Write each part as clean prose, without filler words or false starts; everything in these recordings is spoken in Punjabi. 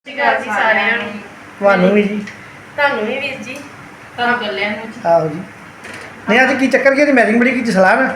ਜੀ ਸਾਰਿਆਂ ਨੂੰ ਤੁਹਾਨੂੰ ਵੀ ਜੀ ਤੁਹਾਨੂੰ ਵੀ ਵੀਰ ਜੀ ਤੁਹਾਨੂੰ ਗੱਲਿਆਂ ਨੂੰ ਆਹੋ ਜੀ ਨਹੀਂ ਅੱਜ ਕੀ ਚੱਕਰ ਕੀ ਮੈਰਿੰਗ ਬੜੀ ਕੀਤੀ ਸਲਾਹ ਨਾ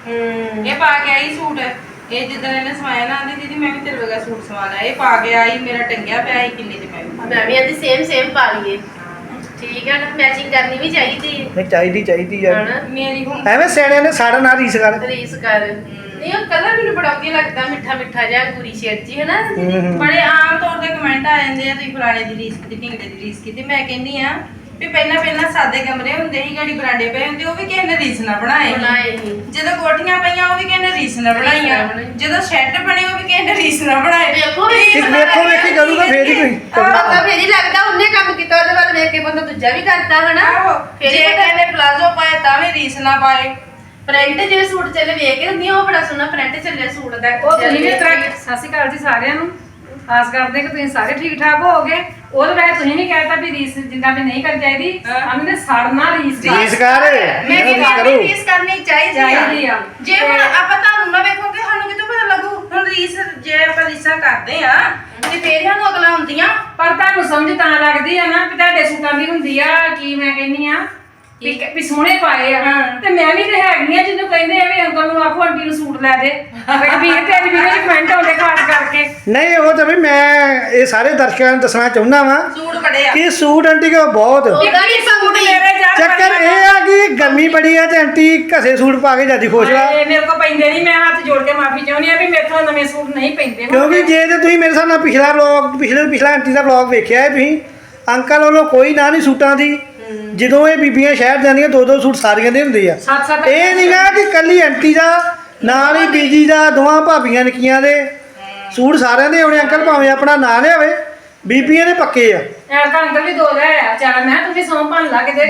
ਇਹ ਪਾ ਕੇ ਆਈ ਸੂਟ ਇਹ ਜਿੱਦਾਂ ਇਹਨੇ ਸਵਾਇਆ ਨਾ ਆਂਦੀ ਦੀਦੀ ਮੈਂ ਵੀ ਤੇਰੇ ਵਰਗਾ ਸੂਟ ਸਵਾਣਾ ਇਹ ਪਾ ਕੇ ਆਈ ਮੇਰਾ ਟੰਗਿਆ ਪਿਆ ਸੀ ਕਿੰਨੇ ਤੇ ਮੈਂ ਵੀ ਅੱਜ ਸੇਮ ਪਾ ਲਈਏ ਠੀਕ ਹੈ ਨਾ ਮੈਚਿੰਗ ਕਰਨੀ ਵੀ ਚਾਹੀਦੀ ਹੈ ਨਹੀਂ ਚਾਹੀਦੀ ਯਾਰ ਹਨਾ ਮੇਰੀ ਹੁਣ ਐਵੇਂ ਸਿਆਣਿਆਂ ਨੇ ਸਾਡਾ ਨਾਲ ਰੀਸ ਕਰ ਰੀਸ ਕਰ ਨਹੀਂ ਉਹ ਕਲਰ ਮੈਨੂੰ ਬੜਾ ਵਧੀਆ ਲੱਗਦਾ ਮਿੱਠਾ ਜਿਹਾ ਗੁਰੀ ਸ਼ੇਡ ਜੀ ਹੈ ਨਾ ਬੜੇ ਆਮ ਤੌਰ ਤੇ ਕਮੈਂਟ ਆ ਜਾਂਦੇ ਆ ਤੁਸੀਂ ਫਲਾਣੇ ਦੀ ਰੀਸ ਕੀਤੀ ਢਿੰਗੜੇ ਦੀ ਰੀਸ ਕੀਤੀ ਮੈਂ ਕਹਿੰਦੀ ਆ ਵੀ ਪਹਿਲਾਂ ਸਾਦੇ ਕਮਰੇ ਹੁੰਦੇ ਸੀ ਗਾੜੀ ਬਰਾਂਡੇ ਪਏ ਹੁੰਦੇ ਉਹ ਵੀ ਕਿਸੇ ਨੇ ਰੀਸ ਨਾ ਬਣਾਏ ਸੀ ਜਦੋਂ ਕੋਠੀਆਂ ਪਈਆਂ ਉਹ ਵੀ ਕਿਸੇ ਨੇ ਰੀਸ ਨਾ ਬਣਾਈਆਂ ਜਦੋਂ ਸ਼ੈੱਡ ਬਣੇ ਉਹ ਵੀ ਕਿਸੇ ਨੇ ਰੀਸ ਨਾ ਬਣਾਏ ਵੇਖੋ ਵੇਖੀ ਕਰੂਗਾ ਫੇਰ ਹੀ ਕੋਈ ਪਤਾ ਫੇਰ ਹੀ ਲੱਗਦਾ ਉਹਨੇ ਕੰਮ ਕੀਤਾ ਉਹਦੇ ਵੱਲ ਵੇਖ ਕੇ ਬੰਦਾ ਦੂਜਾ ਵੀ ਕਰਦਾ ਹਨਾ ਆਹੋ ਫੇਰ ਜੇ ਹੀ ਕਿਸੇ ਨੇ ਪਲਾਜ਼ੋ ਪਾਏ ਤਾਂ ਵੀ ਰੀਸ ਨਾ ਪਾਏ ਪ੍ਰਿੰਟ ਜਿਹੜੇ ਸੂਟ ਚੱਲੇ ਵੇਖ ਕੇ ਹੁੰਦੀ ਉਹ ਬੜਾ ਸੋਹਣਾ ਪ੍ਰਿੰਟ ਚੱਲਿਆ ਸੂਟ ਦਾ ਉਹ ਤੁਸੀਂ ਵੀ ਸਤਿ ਸ਼੍ਰੀ ਅਕਾਲ ਜੀ ਸਾਰਿਆਂ ਨੂੰ ਆਸ ਕਰਦੇ ਕਿ ਤੁਸੀਂ ਸਾਰੇ ਠੀਕ ਠਾਕ ਹੋਵੋਗੇ ਉਹਦੇ ਬਾਰੇ ਤੁਸੀਂ ਨਹੀਂ ਕਹਿਤਾ ਵੀ ਰੀਸ ਜਿੰਨਾ ਵੀ ਨਹੀਂ ਕਰਨੀ ਚਾਹੀਦੀ ਸਾਨੂੰ ਨੇ ਸੜਨਾ ਰੀਸ ਰੀਸ ਕਰ ਮੈਂ ਰੀਸ ਕਿਹਾ ਕਰੋ ਰੀਸ ਕਰਨੀ ਚਾਹੀਦੀ ਆ ਜੇ ਹੁਣ ਆਪਾਂ ਤੁਹਾਨੂੰ ਨਾ ਵੇਖੋਗੇ ਸਾਨੂੰ ਕਿਤੋਂ ਪਤਾ ਲੱਗੂ ਹੁਣ ਰੀਸ ਜੇ ਆਪਾਂ ਰੀਸਾਂ ਕਰਦੇ ਆ ਤੇ ਫੇਰ ਸਾਨੂੰ ਅਗਲਾ ਹੁੰਦੀਆਂ ਪਰ ਤੁਹਾਨੂੰ ਸਮਝ ਤਾਂ ਲੱਗਦੀ ਆ ਨਾ ਕਿ ਤੁਹਾਡੇ ਸੂਟਾਂ ਦੀ ਹੁੰਦੀ ਆ ਕੀ ਮੈਂ ਕਹਿੰਨੀ ਆ ਵੀ ਸੋਹਣੇ ਪਾਏ ਆ ਤੇ ਮੈਂ ਵੀ ਤੇ ਹੈਗੀ ਆ ਜਿਹਨੂੰ ਕਹਿੰਦੇ ਆ ਵੀ ਅੰਕਲ ਨੂੰ ਆਖੋ ਆਂਟੀ ਨੂੰ ਸੂਟ ਲੈ ਦੇ ਵੀ ਤੇ ਅੱਜ ਵੀਡੀਓ ਚ ਕਮੈਂਟ ਆਉਂਦੇ ਖਾਸ ਕਰਕੇ ਨਹੀਂ ਉਹ ਤਾਂ ਵੀ ਮੈਂ ਇਹ ਸਾਰੇ ਦਰਸ਼ਕਾਂ ਨੂੰ ਦੱਸਣਾ ਚਾਹੁੰਦਾ ਵਾਂ ਸੂਟ ਬੜੇ ਆ ਕਿ ਸੂਟ ਆਂਟੀ ਕੋ ਬਹੁਤ ਉਹਦਾ ਵੀ ਸੂਟ ਸੰਗਦੀ ਮੇਰੇ ਯਾਰ ਚੱਕਰ ਇਹ ਆ ਕਿ ਗਰਮੀ ਬੜੀ ਆ ਤੇ ਆਂਟੀ ਘਸੇ ਸੂਟ ਪਾ ਕੇ ਜਾਂਦੀ ਖੁਸ਼ ਆ ਮੇਰੇ ਕੋ ਪੈਂਦੇ ਨਹੀਂ ਮੈਂ ਹੱਥ ਜੋੜ ਕੇ ਮਾਫੀ ਚਾਹੁੰਦੀ ਆ ਵੀ ਮੇਰੇ ਤੋਂ ਨਵੇਂ ਸੂਟ ਨਹੀਂ ਪੈਂਦੇ ਕਿਉਂਕਿ ਜੇ ਤੇ ਤੁਸੀਂ ਮੇਰੇ ਸਾਹਮਣੇ ਪਿਛਲਾ ਆਂਟੀ ਦਾ ਵਲੌਗ ਵੇਖਿਆ ਹੈ ਤੁਸੀਂ ਅੰਕਲ ਵੱਲੋਂ ਕੋਈ ਨਾ ਨਹੀਂ ਸੂਟਾਂ ਦੀ ਜਦੋਂ ਇਹ ਬੀਬੀਆਂ ਸ਼ਹਿਰ ਜਾਂਦੀਆਂ ਦੋ ਸੂਟ ਸਾਰੀਆਂ ਦੇ ਹੁੰਦੇ ਆ ਸੱਤ ਇਹ ਨਹੀਂ ਗਾ ਕਿ ਕੱਲੀ ਆਂਟੀ ਦਾ ਨਾਲ ਹੀ ਬੀਜੀ ਦਾ ਦੋਵਾਂ ਭਾਬੀਆਂ ਨਿੱਕੀਆਂ ਦੇ ਸੂਟ ਸਾਰਿਆਂ ਦੇ ਆਉਣੇ ਅੰਕਲ ਭਾਵੇਂ ਆਪਣਾ ਨਾਂ ਲਿਆਵੇ ਬੀਬੀਆਂ ਦੇ ਪੱਕੇ ਆ ਐ ਤਾਂ ਅੰਕਲ ਵੀ ਦੋ ਲੈ ਆ ਚਾਹ ਮੈਂ ਤੁਸੀਂ ਸੌਂ ਭੰਨ ਲਾ ਕੇ ਦੇ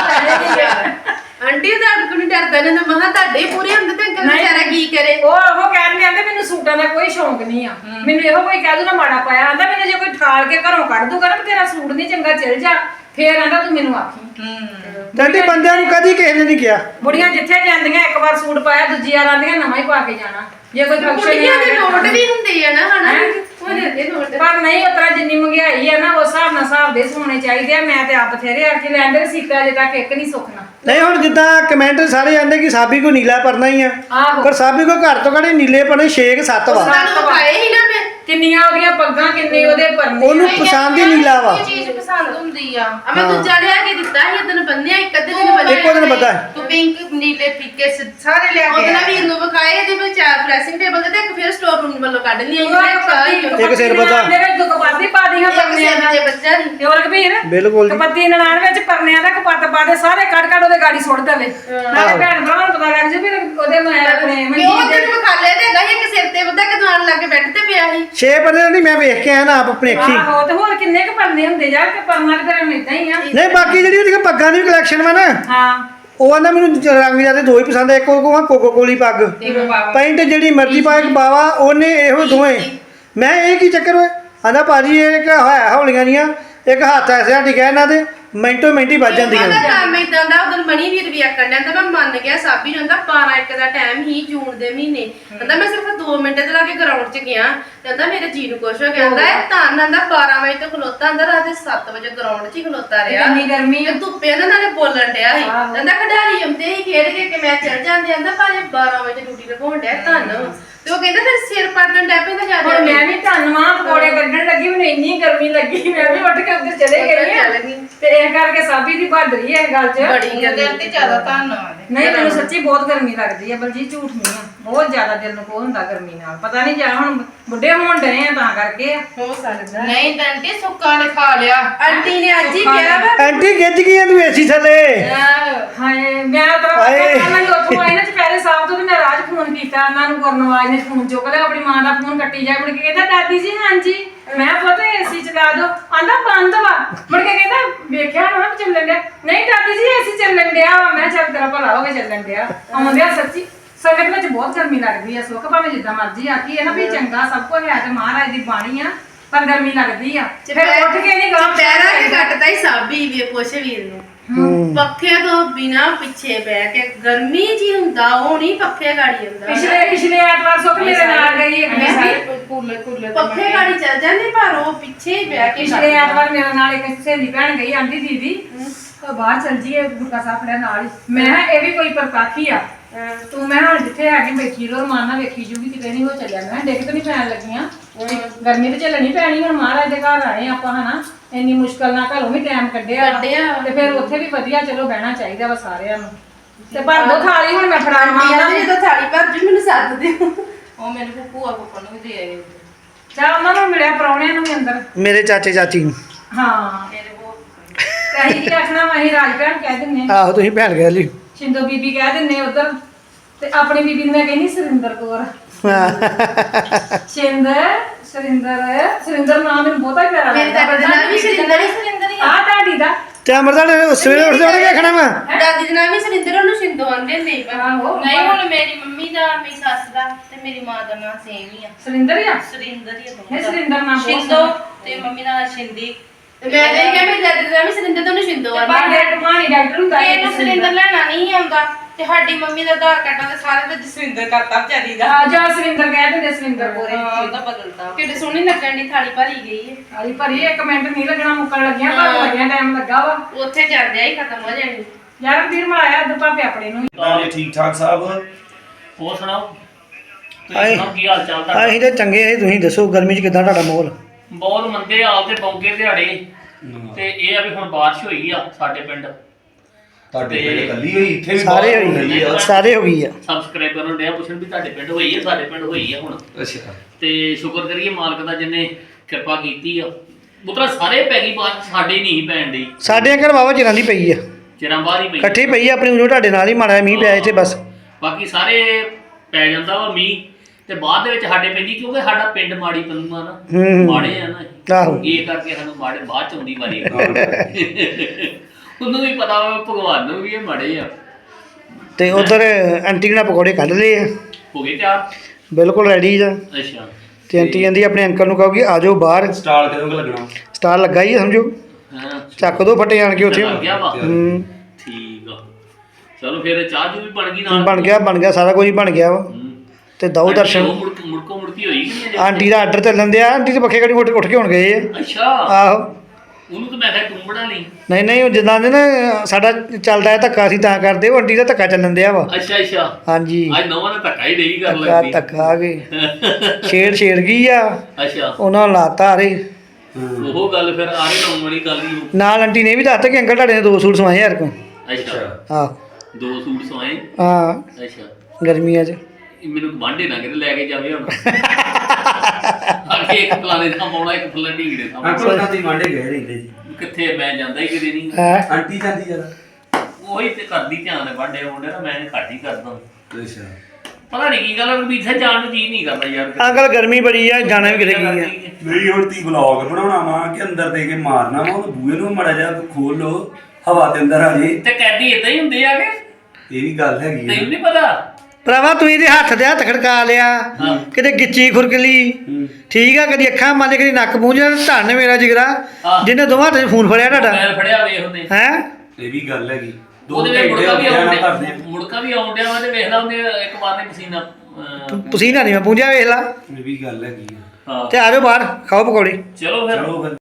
ਆਂਟੀ ਦਾ ਕੋਈ ਨਹੀਂ ਡਰਦਾ ਨੇ ਤਾਂ ਮਹਾ ਤੁਹਾਡੇ ਪੂਰੇ ਹੁੰਦੇ ਤੇ ਅੰਕਲ ਵਿਚਾਰਾ ਕੀ ਕਰੇ ਉਹ ਕਹਿਣ ਆਂਦੇ ਮੈਨੂੰ ਸੂਟਾਂ ਦਾ ਕੋਈ ਸ਼ੌਂਕ ਨਹੀਂ ਆ ਮੈਨੂੰ ਇਹੋ ਕੋਈ ਕਹਿ ਦੂਗਾ ਮਾੜਾ ਪਾਇਆ ਆਂਦਾ ਮੈਨੂੰ ਜੇ ਕੋਈ ਠਾਲ ਕੇ ਘਰੋਂ ਕੱਢ ਦੂਗਾ ਨਾ ਤੇਰਾ ਸੂਟ ਨਹੀਂ ਚੰਗਾ ਚੱਲ ਜਾ ਫੇਰ ਆਂਦਾ ਤੂੰ ਮੈਨੂੰ ਆਖੀ ਆਂਟੀ ਬੰਦਿਆਂ ਨੂੰ ਕਦੀ ਕਿਸੇ ਨੇ ਨਹੀਂ ਕਿਹਾ ਬੁੜੀਆਂ ਜਿੱਥੇ ਜਾਂਦੀਆਂ ਇੱਕ ਵਾਰ ਸੂਟ ਪਾਇਆ ਦੂਜੀ ਵਾਰ ਆਂਦੀਆਂ ਨਵਾਂ ਹੀ ਪਾ ਕੇ ਜਾਣਾ ਜੇ ਕੋਈ ਫੰਕਸ਼ਨ ਨਹੀਂ ਕੁੜੀਆਂ ਦੇ ਆ ਨੋਟ ਵੀ ਹੁੰਦੇ ਆ ਨਾ ਹਨਾ ਉਹ ਦੇ ਨੋਟ ਪਰ ਨਹੀਂ ਉਤਰਾ ਜਿੰਨੀ ਮਹਿੰਗਾਈ ਆ ਨਾ ਉਸ ਹਿਸਾਬ ਦੇ ਸੋਨੇ ਚਾਹੀਦੇ ਆ ਮੈਂ ਤੇ ਆਪ ਬਥੇਰੇ ਆ ਕੇ ਲੈਂਦੇ ਸੀਤਾ ਅਜੇ ਤੱਕ ਇੱਕ ਨਹੀਂ ਸੁੱਕਣਾ ਨਹੀਂ ਹੁਣ ਜਿੱਦਾਂ ਕਮੈਂਟ ਸਾਰੇ ਆਂਦੇ ਕਿ ਸਾਬੀ ਕੋ ਨੀਲਾ ਪਰਨਾ ਹੀ ਆ ਆਹੋ ਪਰ ਸਾਬੀ ਕੋ ਘਰ ਤੋਂ ਘੜੇ ਨੀਲੇ ਪਰਨੇ 6-7 ਵਾ ਸਾਨੂੰ ਖਾਏ ਹੀ ਨਾ ਮੈਂ ਕਿੰਨੀਆਂ ਉਹਦੀਆਂ ਪੱਗਾਂ ਕਿੰਨੇ ਉਹਦੇ ਪਰਨੇ ਉਹਨੂੰ ਪਸੰਦ ਹੀ ਨੀਲਾ ਵਾ ਕੋਈ ਚੀਜ਼ ਪਸੰਦ ਹੁੰਦੀ ਆ ਮੈਂ ਦੂਜਾ ਲਿਆ ਕੇ ਦਿੱਤਾ ਸੀ ਇਦਨ ਬੰਨਿਆ ਇੱਕ ਅੱਧੇ ਦਿਨ ਬੰਨਿਆ ਇੱਕੋ ਦਿਨ ਪਤਾ ਹੈ ਤੂੰ ਪਿੰਕ ਨੀਲੇ ਫਿੱਕੇ ਸਾਰੇ ਲਿਆ ਕੇ ਉਹਦੇ ਨਾਲ ਵੀਰ ਨੂੰ ਵਿਖਾਏ ਇਹਦੇ ਵਿੱਚ ਪ੍ਰੈਸਿੰਗ ਟੇਬਲ ਤੇ ਇੱਕ ਫਿਰ ਸਟੋਰ ਰੂਮ ਵੱਲੋਂ ਕੱਢ ਲਈ ਇੱਕ ਸਿਰ ਬੱਧਾ। ਦੇ ਵਿੱਚ ਕਪੱਤੀ ਪਾ ਦੀਆਂ ਪਰਨਿਆਂ ਦਾ ਬੱਚਾ ਦੀ ਤੇ ਹੋਰ ਕਬੀਰ ਬਿਲਕੁਲ ਜੀ। ਕਪੱਤੀ ਨਨਾਣ ਵਿੱਚ ਪਰਨਿਆਂ ਦਾ ਕਪੱਤ ਪਾ ਦੇ ਸਾਰੇ ਕੱਢ ਉਹਦੇ ਗਾੜੀ ਸੁੱਟ ਦੇਵੇ ਨਾਲੇ ਭੈਣ ਭਰਾਵਾਂ ਨੂੰ ਪਤਾ ਲੱਗ ਜਾਵੇ ਵੀ ਉਹਦੇ ਮੈਂ ਆਪਣੇ ਉਹ ਮਨਜੀਤ ਦਿਨ ਦੇ ਵਿਖਾ ਲਿਆ ਤੇ ਹੈਗਾ ਸੀ ਇੱਕ ਸਿਰ ਤੇ ਬੱਧਾ ਕਿ ਦੁਆਨ ਲਾ ਕੇ ਬੈੱਡ ਤੇ ਪਿਆ ਸੀ 6 ਪਰਨੇ ਨਹੀਂ ਮੈਂ ਵੇਖ ਕੇ ਆਇਆ ਨਾ ਆਪ ਆਪਣੀ ਅੱਖੀ ਆਹੋ ਤੇ ਹੋਰ ਕਿੰਨੇ ਕੁ ਪਰਨੇ ਹੁੰਦੇ ਯਾਰ ਕਿ ਪਰਨਾ ਤੇ ਫਿਰ ਇਦਾਂ ਹੀ ਆ ਨਹੀਂ ਬਾਕੀ ਜਿਹੜੀ ਉਹਦੀ ਪੱਗਾਂ ਦੀ ਕਲੈਕਸ਼ਨ ਵਾ ਨਾ ਹਾਂ ਉਹ ਆਂਦਾ ਮੈਨੂੰ ਰੰਗ ਜਿਆਦੇ ਦੋ ਹੀ ਪਸੰਦ ਆ ਇੱਕ ਉਹ ਕੋਕੋ ਕੋਲੀ ਪੱਗ ਪੈਂਟ ਜਿਹੜੀ ਮਰਜ਼ੀ ਪਾਏ ਬਾਵਾ ਉਹਨੇ ਇਹੋ ਦੋਵੇਂ ਮੈਂ ਇਹ ਕੀ ਚੱਕਰ ਹੋਏ ਆਂਦਾ ਭਾਜੀ ਇਹ ਇੱਕ ਹੋਇਆ ਹੌਲੀਆਂ ਦੀਆਂ ਇੱਕ ਹੱਥ ਐਸੇ ਹੱਟੀ ਕਹਿ ਇਹਨਾਂ ਦੇ ਮਿੰਟੋ ਮਿੰਟ ਹੀ ਵੱਜ ਜਾਂਦੀਆਂ ਉਹਦਾ ਕੰਮ ਇਦਾਂ ਦਾ ਉਦੋਂ ਮਣੀ ਵੀਰ ਵੀ ਆਕਣ ਲੈਂਦਾ ਮੈਂ ਮੰਨ ਗਿਆ ਸਾਬੀ ਨੂੰ ਕਹਿੰਦਾ 12-1 ਦਾ ਟਾਈਮ ਹੀ ਜੂਨ ਦੇ ਮਹੀਨੇ ਕਹਿੰਦਾ ਮੈਂ ਸਿਰਫ 2 ਮਿੰਟ ਤੇ ਲਾ ਕੇ ਗਰਾਊਂਡ 'ਚ ਗਿਆ ਕਹਿੰਦਾ ਮੇਰੇ ਜੀ ਨੂੰ ਕੁਛ ਹੋ ਗਿਆ ਕਹਿੰਦਾ ਇਹ ਤਾਂ ਆਂਦਾ 12 ਵਜੇ ਤੋਂ ਖਲੋਤਾ ਆਂਦਾ ਰਾਤ ਦੇ 7 ਵਜੇ ਗਰਾਊਂਡ 'ਚ ਹੀ ਖਲੋਤਾ ਰਿਹਾ ਇੰਨੀ ਗਰਮੀ ਤੇ ਧੁੱਪੇ ਦਾ ਨਾਲੇ ਬੋਲਣ ਡਿਆ ਸੀ ਕਹਿੰਦਾ ਖਿਡਾਰੀ ਆਉਂਦੇ ਹੀ ਖੇਡ ਕੇ ਮੈਂ ਚੜ ਜਾਂਦੇ ਆਂਦਾ ਭਾਵੇਂ 12 ਵਜੇ ਡਿਊਟੀ ਲਗਾਉਣ ਡਿਆ ਧੰਨ ਤੇ ਉਹ ਕਹਿੰਦਾ ਫਿਰ ਸਿਰ ਪਾਟਣ ਡੈ ਪੈਂਦਾ ਹੁਣ ਜਿਆਦਾ ਮੈਂ ਵੀ ਧੰਨਵਾਦ ਪਕੌੜੇ ਕੱਢਣ ਲੱਗੀ ਮੈਨੂੰ ਇੰਨੀ ਗਰਮੀ ਲੱਗੀ ਮੈਂ ਵੀ ਉੱਠ ਕੇ ਉੱਧਰ ਚਲੇ ਗਈ ਆ ਤੇ ਇਹ ਕਰਕੇ ਸਾਬੀ ਦੀ ਬਹਾਦਰੀ ਹੈ ਇਹ ਗੱਲ 'ਚ ਬੜੀ ਦਿਲ ਤੇ ਜ਼ਿਆਦਾ ਧੰਨਵਾਦ ਨਹੀਂ ਮੈਨੂੰ ਸੱਚੀ ਬਹੁਤ ਗਰਮੀ ਲੱਗਦੀ ਹੈ ਬਲਜੀਤ ਝੂਠ ਨਹੀਂ ਆ ਬਹੁਤ ਜ਼ਿਆਦਾ ਦਿਲ ਨੂੰ ਕੋ ਹੁੰਦਾ ਗਰਮੀ ਨਾਲ ਪਤਾ ਨਹੀਂ ਜਾਂ ਹੁਣ ਬੁੱਢੇ ਹੋਣ ਡਏ ਆ ਤਾਂ ਕਰਕੇ ਹੋ ਸਕਦਾ ਨਹੀਂ ਆਂਟੀ ਸੁੱਕਾ ਨੇ ਖਾ ਲਿਆ ਆਂਟੀ ਨੇ ਅੱਜ ਹੀ ਕਿਹਾ ਵਾ ਆਂਟੀ ਗਿੱਜ ਗਈ ਤੂੰ ਏਸੀ ਥੱਲੇ ਹਾਏ ਮੈਂ ਉਤਰਾ ਹਾਏ। ਮੈਂ ਉੱਥੋਂ ਆਈ ਨਾ ਚਪੈਰੇ ਸਾਹਿਬ ਤੋਂ ਤੇ ਮੈਂ ਰਾਜ ਫੋਨ ਕੀਤਾ ਉਹਨਾਂ ਨੂੰ ਗੁਰਨਵਾਜ ਨੇ ਫੋਨ ਚੁੱਕ ਲਿਆ ਆਪਣੀ ਮਾਂ ਦਾ ਫੋਨ ਕੱਟੀ ਜਾ ਮੁੜ ਕੇ ਕਹਿੰਦਾ ਦਾਦੀ ਜੀ ਹਾਂਜੀ ਮੈਂ ਪਤਾ ਏਸੀ ਚਲਾ ਦੋ ਆਂਦਾ ਬੰਦ ਵਾ ਮੁੜ ਕੇ ਕਹਿੰਦਾ ਵੇਖਿਆ ਨਾ ਚੱਲਣ ਡਿਆ ਨਹੀਂ ਦਾਦੀ ਜੀ ਏਸੀ ਚੱਲਣ ਡਿਆ ਵਾ ਮੈਂ ਚੱਲ ਤੇਰਾ ਭਲਾ ਹੋ ਗਿਆ ਚੱਲਣ ਡਿਆ ਆਉਂਦਿਆ ਸੱਚੀ ਸੰਗਤ ਵਿੱਚ ਬਹੁਤ ਗਰਮੀ ਲੱਗਦੀ ਹੈ ਸੁੱਖ ਭਾਵੇਂ ਜਿੱਦਾਂ ਮਰਜ਼ੀ ਆਖੀ ਹੈ ਨਾ ਵੀ ਚੰਗਾ ਸਭ ਕੁਝ ਹੈ ਤੇ ਮਹਾਰਾਜ ਦੀ ਬਾਣੀ ਆ ਪਰ ਗਰਮੀ ਲੱਗਦੀ ਆ ਫਿਰ ਉੱਠ ਕੇ ਨਹੀਂ ਗਾਂ ਪੈਰਾਂ ਕੇ ਕੱਟਦਾ ਹੀ ਸਾਬੀ ਵੀ ਪੁੱਛ ਵੀਰ ਨੂੰ ਹੂੰ। ਪੱਖੇ ਤੋਂ ਬਿਨਾ ਪਿੱਛੇ ਬਹਿ ਕੇ ਗਰਮੀ ਜੀ ਹੁੰਦਾ ਉਹ ਨਹੀਂ ਪੱਖੇ ਗਾੜੀ ਹੁੰਦਾ ਪਿਛਲੇ ਐਤਵਾਰ ਸੁੱਖ ਮੇਰੇ ਨਾਲ ਗਈ ਇੱਕ ਪੱਖੇ ਗਾੜੀ ਚੱਲ ਜਾਂਦੇ ਪਰ ਉਹ ਪਿੱਛੇ ਹੀ ਬਹਿ ਕੇ ਪਿਛਲੇ ਐਤਵਾਰ ਮੇਰੇ ਨਾਲ ਇੱਕ ਸਹੇਲੀ ਭੈਣ ਗਈ ਆਂਦੀ ਦੀਦੀ ਬਾਹਰ ਚੱਲ ਜੀਏ ਗੁਰਕਾ ਸਾਹਿਬ ਫੜਿਆ ਨਾਲ ਹੀ ਮੈਂ ਕਿਹਾ ਇਹ ਵੀ ਕੋਈ ਪ੍ਰਕਾਖੀ ਆ ਤੂੰ ਮੈਂ ਹੁਣ ਜਿੱਥੇ ਹੈਗੀ ਬੈਠੀ ਰੋ ਰਮਾਨ ਨਾਲ ਵੇਖੀ ਜੂਗੀ ਕਿਤੇ ਨਹੀਂ ਹੋ ਚੱਲਿਆ ਮੈਂ ਡਿੱਗ ਤਾਂ ਨਹੀਂ ਪੈਣ ਲੱਗੀਆਂ ਗਰਮੀ ਤੇ ਝੱਲਣੀ ਪੈਣੀ ਹੁਣ ਮਹਾਰਾਜ ਦੇ ਘਰ ਆਏ ਆਪਾਂ ਹਨਾ ਇੰਨੀ ਮੁਸ਼ਕਲ ਨਾਲ ਘਰੋਂ ਵੀ ਟਾਈਮ ਕੱਢਿਆ ਤੇ ਫਿਰ ਉੱਥੇ ਵੀ ਵਧੀਆ ਚਲੋ ਬਹਿਣਾ ਚਾਹੀਦਾ ਵਾ ਸਾਰਿਆਂ ਨੂੰ ਤੇ ਭਰ ਦੋ ਥਾਲੀ ਹੁਣ ਮੈਂ ਫੜਾਉਣ ਆਂਦੀਆਂ ਨੇ ਜਦੋਂ ਥਾਲੀ ਭਰ ਜੂ ਮੈਨੂੰ ਸੱਦ ਦਿਓ ਉਹ ਮੈਨੂੰ ਭੂਆ ਕੋਲ ਨੂੰ ਵੀ ਦੇ ਆਏ ਚਾ ਉਹਨਾਂ ਨੂੰ ਮਿਲਿਆ ਪ੍ਰਾਹੁਣਿਆਂ ਨੂੰ ਵੀ ਅੰਦਰ ਮੇਰੇ ਚਾਚੇ ਚਾਚੀ ਨੂੰ ਹਾਂ ਮੇਰੇ ਉਹ ਤੇ ਅਸੀਂ ਕੀ ਆਖਣਾ ਵਾ ਅਸੀਂ ਰਾਜ ਭੈਣ ਕਹਿ ਦਿੰਨੇ ਆਹੋ ਤੁਸੀਂ ਭੈਣ ਕਹਿ ਲਈ ਸ਼ਿੰਦੋ ਬੀਬੀ ਕਹਿ ਦਿੰਨੇ ਉਧਰ ਤੇ ਆਪਣੀ ਬੀਬੀ ਨੂੰ ਮੈਂ ਕਹਿੰਦੀ ਸੁਰਿੰਦਰ ਕੌਰ ਸੁਰਿੰਦਰ ਨਾਮ ਮੈਨੂੰ ਬਹੁਤਾ ਪਿਆਰਾ ਮੇਰੇ ਦਾਦੀ ਦਾ ਨਾਮ ਵੀ ਸੁਰਿੰਦਰ ਹੀ ਆ ਤੁਹਾਡੀ ਦਾ ਤੇ ਅਮਰਦਾਲ ਸਵੇਰੇ ਉੱਠਦੇ ਉੱਠ ਕੇ ਵੇਖਣਾ ਵਾ ਦਾਦੀ ਦਾ ਨਾਮ ਵੀ ਸੁਰਿੰਦਰ ਉਹਨੂੰ ਸ਼ਿੰਦੋ ਆਂਦੇ ਹੁੰਦੇ ਸੀ ਆਹੋ ਨਹੀਂ ਹੁਣ ਮੇਰੀ ਮੰਮੀ ਦਾ ਮੇਰੀ ਸੱਸ ਦਾ ਤੇ ਮੇਰੀ ਮਾਂ ਦਾ ਨਾਮ ਸੇਮ ਹੀ ਆ ਸੁਰਿੰਦਰ ਹੀ ਆ ਸੁਰਿੰਦਰ ਹੀ ਆ ਇਹ ਸੁਰਿੰਦਰ ਨਾਮ ਬਹੁਤ ਸ਼ਿੰਦੋ ਤੇ ਮੰਮੀ ਦਾ ਸ਼ਿੰਦੀ ਤੇ ਮੈਂ ਤਾਂ ਇਹ ਕਿਹਾ ਮੇਰੀ ਦਾਦੀ ਦਾ ਨਾਮ ਵੀ ਸੁਰਿੰਦਰ ਤੇ ਉਹਨੂੰ ਸ਼ਿੰਦੋ ਆਂਦੇ ਬਾਹਰ ਕਹਾਣੀ ਡਾਕਟਰ ਹੁੰਦਾ ਤੇ ਇਹਨੂੰ ਸੁਰਿੰਦਰ ਲੈਣਾ ਨਹੀਂ ਆਉਂਦਾ ਤੇ ਸਾਡੀ ਮੰਮੀ ਦਾ ਆਧਾਰ ਕਾਰਡ ਤੇ ਸਾਰੇ ਵਿੱਚ ਜਸਵਿੰਦਰ ਕਰਤਾ ਵਿਚਾਰੀ ਦਾ ਆ ਜਾ ਸੁਰਿੰਦਰ ਕਹਿ ਦਿੰਦੇ ਸੁਰਿੰਦਰ ਕੋਰੇ ਉਹਦਾ ਬਦਲਤਾ ਕਿੱਡੇ ਸੋਹਣੀ ਲੱਗਣ ਦੀ ਥਾਲੀ ਭਰੀ ਗਈ ਹੈ ਆਲੀ ਭਰੀ 1 ਮਿੰਟ ਨਹੀਂ ਲੱਗਣਾ ਮੁੱਕਣ ਲੱਗਿਆ ਪਰ ਲੱਗਿਆ ਟਾਈਮ ਲੱਗਾ ਵਾ ਉੱਥੇ ਜਾਂਦਿਆਂ ਹੀ ਖਤਮ ਹੋ ਜਾਣੀ ਯਾਰ ਵੀਰ ਮਾਇਆ ਅੱਧ ਭਾਪੇ ਆਪਣੇ ਨੂੰ ਜੀ ਠੀਕ ਠਾਕ ਸਾਹਿਬ ਹੋਰ ਸੁਣਾਓ ਤੁਸੀਂ ਆਏ। ਸੁਣਾਓ ਕੀ ਹਾਲ ਚਾਲ ਤੁਹਾਡਾ ਅਸੀਂ ਤੇ ਚੰਗੇ ਆ ਤੁਸੀਂ ਦੱਸੋ ਗਰਮੀ 'ਚ ਕਿੱਦਾਂ ਤੁਹਾਡਾ ਮਾਹੌਲ ਬਹੁਤ ਮੰਦੇ ਹਾਲ ਤੇ ਬੌਂਕੇ ਦਿਹਾੜੇ ਤੇ ਇਹ ਆ ਵੀ ਹੁਣ ਬਾਰਿਸ਼ ਹੋਈ ਆ ਸਾਡੇ ਪਿੰਡ ਤੁਹਾਡੇ ਪਿੰਡ ਕੱਲੀ ਹੋਈ ਇੱਥੇ ਵੀ ਸਾਰੇ ਬਹੁਤ ਹੋਈ ਆ। ਸਾਰੇ ਹੋ ਗਈ ਆ ਸਬਸਕ੍ਰਾਈਬਰ ਨੂੰ ਡਿਆ ਪੁੱਛਣ ਵੀ ਤੁਹਾਡੇ ਪਿੰਡ ਹੋਈ ਆ ਸਾਡੇ ਪਿੰਡ ਹੋਈ ਆ ਹੁਣ ਅੱਛਾ ਤੇ ਸ਼ੁਕਰ ਕਰੀਏ ਮਾਲਕ ਦਾ ਜਿੰਨੇ ਕਿਰਪਾ ਕੀਤੀ ਆ ਪੁੱਤਰਾ ਸਾਰੇ ਪੈ ਗਈ ਬਾਰਿਸ਼ ਸਾਡੇ ਨਹੀਂ ਪੈਣ ਦੀ ਸਾਡੇ ਘਰ ਵਾਵਾ ਚਿਰਾਂ ਦੀ ਪਈ ਆ ਚਿਰਾਂ ਬਾਹਰ ਹੀ ਪਈ ਇਕੱਠੀ ਪਈ ਆ ਆਪਣੀ ਉਦੋਂ ਤੁਹਾਡੇ ਨਾਲ ਹੀ ਮਾੜਾ ਜਿਹਾ ਮੀਂਹ ਪਿਆ ਇੱਥੇ ਬਸ ਬਾਕੀ ਸਾਰੇ ਪੈ ਜਾਂਦਾ ਵਾ ਮੀਂਹ ਤੇ ਬਾਅਦ ਦੇ ਵਿੱਚ ਸਾਡੇ ਪੈਂਦੀ ਕਿਉਂਕਿ ਸਾਡਾ ਪਿੰਡ ਮਾੜੀ ਪੰਨੂ ਆ ਨਾ ਹੂੰ। ਮਾੜੇ ਆ ਨਾ ਆਹੋ ਇਹ ਕਰਕੇ ਸਾਨੂੰ ਮਾੜੇ ਬਾਅਦ ਚ ਆਉਂਦੀ ਵਾਰੀ ਉਹਨੂੰ ਵੀ ਪਤਾ ਵਾ ਭਗਵਾਨ ਨੂੰ ਵੀ ਇਹ ਮਾੜੇ ਆ ਤੇ ਉਧਰ ਆਂਟੀ ਨੇ ਪਕੌੜੇ ਕੱਢ ਲਏ ਆ ਹੋ ਗਏ ਤਿਆਰ ਬਿਲਕੁਲ ਰੈਡੀ ਆ ਅੱਛਾ ਤੇ ਆਂਟੀ ਕਹਿੰਦੀ ਆਪਣੇ ਅੰਕਲ ਨੂੰ ਕਹੋਗੀ ਆ ਜਾਓ ਬਾਹਰ ਸਟਾਲ ਕਦੋਂ ਕੁ ਲੱਗਣਾ ਸਟਾਰ ਲੱਗਾ ਹੀ ਆ ਸਮਝੋ ਹਾਂ ਚੱਕ ਦੋ ਫੱਟੇ ਆਣ ਕੇ ਉੱਥੇ ਲੱਗ ਗਿਆ ਵਾ ਹੂੰ ਠੀਕ ਆ ਚਲੋ ਫਿਰ ਚਾਹ ਜੂ ਵੀ ਬਣ ਗਈ ਨਾਲ ਬਣ ਗਿਆ ਸਾਰਾ ਕੁਝ ਬਣ ਗਿਆ ਵਾ ਹੂੰ। ਤੇ ਦਊ ਦਰਸ਼ਨ ਮੁੜਕੋ ਮੁੜਕੀ ਹੋਈ ਕਿ ਨਹੀਂ ਅਜੇ? ਆਂਟੀ ਦਾ ਆਰਡਰ ਚੱਲਣ ਦਿਆ ਆਂਟੀ ਤੇ ਪੱਖੇ ਘੜੀ ਉੱਠ ਕੇ ਹੁਣ ਗਏ ਆ ਅੱਛਾ ਆਹੋ ਉਹਨੂੰ ਤਾਂ ਮੈਂ ਕਿਹਾ ਤੂੰ ਬਣਾ ਲਈ ਨਹੀਂ ਉਹ ਜਿੱਦਾਂ ਦੇ ਨਾ ਸਾਡਾ ਚੱਲਦਾ ਹੈ ਧੱਕਾ ਅਸੀਂ ਤਾਂ ਕਰਦੇ ਉਹ ਆਂਟੀ ਦਾ ਧੱਕਾ ਚੱਲਣ ਦਿਆ ਵਾ ਅੱਛਾ ਅੱਛਾ ਹਾਂਜੀ ਅੱਜ ਨਵਾਂ ਨੇ ਧੱਕਾ ਹੀ ਨਹੀਂ ਕਰ ਧੱਕਾ ਲੱਗਦੀ ਧੱਕਾ ਆ ਗਏ ਛੇੜ ਗਈ ਆ ਅੱਛਾ ਉਹਨਾਂ ਨੂੰ ਲਾਤਾ ਰੇ ਉਹ ਗੱਲ ਫਿਰ ਆਰੇ ਲਾਉਣ ਵਾਲੀ ਗੱਲ ਹੀ ਨਾਲ ਆਂਟੀ ਨੇ ਵੀ ਦੱਸਤਾ ਕਿ ਅੰਕਲ ਤੁਹਾਡੇ ਨੇ 2 ਸੂਟ ਸਵਾਏ ਯਾਰ ਕੋ ਅੱਛਾ ਆਹ 2 ਸੂਟ ਸਵਾਏ ਹਾਂ ਅੱਛਾ ਗਰਮੀਆਂ 'ਚ ਇਹ ਮੈਨੂੰ ਵਾਂਢੇ ਨਾ ਕਿਤੇ ਲੈ ਕੇ ਜਾਵੇ ਹੁਣ ਅੱਗੇ ਇੱਕ ਫਲਾਣੇ ਦਾ ਪਾਉਣਾ ਇੱਕ ਫਲਾਣੇ ਢੀਂਗੜੇ ਦਾ ਅੰਕਲ ਨਾਲ ਦੀ ਵਾਂਡੇ ਗਏ ਰਹਿੰਦੇ ਜੀ ਕਿੱਥੇ ਮੈਂ ਜਾਂਦਾ ਹੀ ਕਿਤੇ ਨਹੀਂ ਹੈ ਆਂਟੀ ਜਾਂਦੀ ਜਰਾ ਉਹੀ ਤੇ ਕਰਦੀ ਧਿਆਨ ਹੈ ਵਾਂਢੇ ਆਉਂਦੇ ਨਾ ਮੈਂ ਘੱਟ ਹੀ ਕਰਦਾ ਅੱਛਾ ਪਤਾ ਨਹੀਂ ਕੀ ਗੱਲ ਵੀ ਇੱਥੇ ਜਾਣ ਨੂੰ ਜੀ ਨਹੀਂ ਕਰਦਾ ਯਾਰ ਅੰਕਲ ਗਰਮੀ ਬੜੀ ਆ ਜਾਣਾ ਵੀ ਕਿਤੇ ਕੀ ਆ ਨਹੀਂ ਹੁਣ ਤੀ ਵਲੌਗ ਬਣਾਉਣਾ ਵਾ ਕਿ ਅੰਦਰ ਦੇ ਕੇ ਮਾਰਨਾ ਵਾ ਉਹ ਬੂਹੇ ਨੂੰ ਮੜਾ ਜਾ ਖੋਲ ਲੋ ਹਵਾ ਦੇ ਅੰਦਰ ਆ ਜੇ ਤੇ ਕੈਦੀ ਇਦਾਂ ਹੀ ਹੁੰਦੇ ਆਗੇ ਇਹ ਵੀ ਗੱਲ ਹੈਗੀ ਆ ਤੈਨੂੰ ਨਹੀਂ ਪਤਾ ਭਰਾਵਾ ਤੂੰ ਇਹਦੇ ਹੱਥ ਦੇ ਹੱਥ ਖੜਕਾ ਲਿਆ ਹਾਂ। ਕਿਤੇ ਗਿੱਚੀ ਖੁਰਕਲੀ ਠੀਕ ਆ ਕਦੀ ਅੱਖਾਂ ਮੰਨ ਕਦੀ ਨੱਕ ਪੂੰਝਿਆ ਧੰਨ ਮੇਰਾ ਜਿਗਰਾ ਹਾਂ। ਜਿਹਨੇ ਦੋਵਾਂ ਹੱਥਾਂ 'ਚ ਫੋਨ ਫੜਿਆ ਤੁਹਾਡਾ ਮੈਂ ਫੜਿਆ ਵੇਖ ਉਹਨੇ ਹੈ ਇਹ ਵੀ ਗੱਲ ਹੈਗੀ ਉਹਦੇ ਵਿੱਚ ਮੁੜਕਾ ਵੀ ਆਉਣ ਆਉਂਦੇ ਮੁੜਕਾ ਵੀ ਆਉਂਦਿਆ ਵਾ ਤੇ ਵੇਖ ਲਾ ਉਹਨੇ ਇੱਕ ਵਾਰ ਨੇ ਪਸੀਨਾ ਪਸੀਨਾ ਨਹੀਂ ਮੈਂ ਪੂੰਝਿਆ ਵੇਖ ਲਾ ਇਹ ਵੀ ਗੱਲ ਹੈਗੀ ਆ ਹਾਂ ਤੇ ਆ ਜਾਓ ਬਾਹਰ ਖਾਓ ਪਕੌੜੇ ਚਲੋ ਫਿਰ ਚਲੋ ਫਿਰ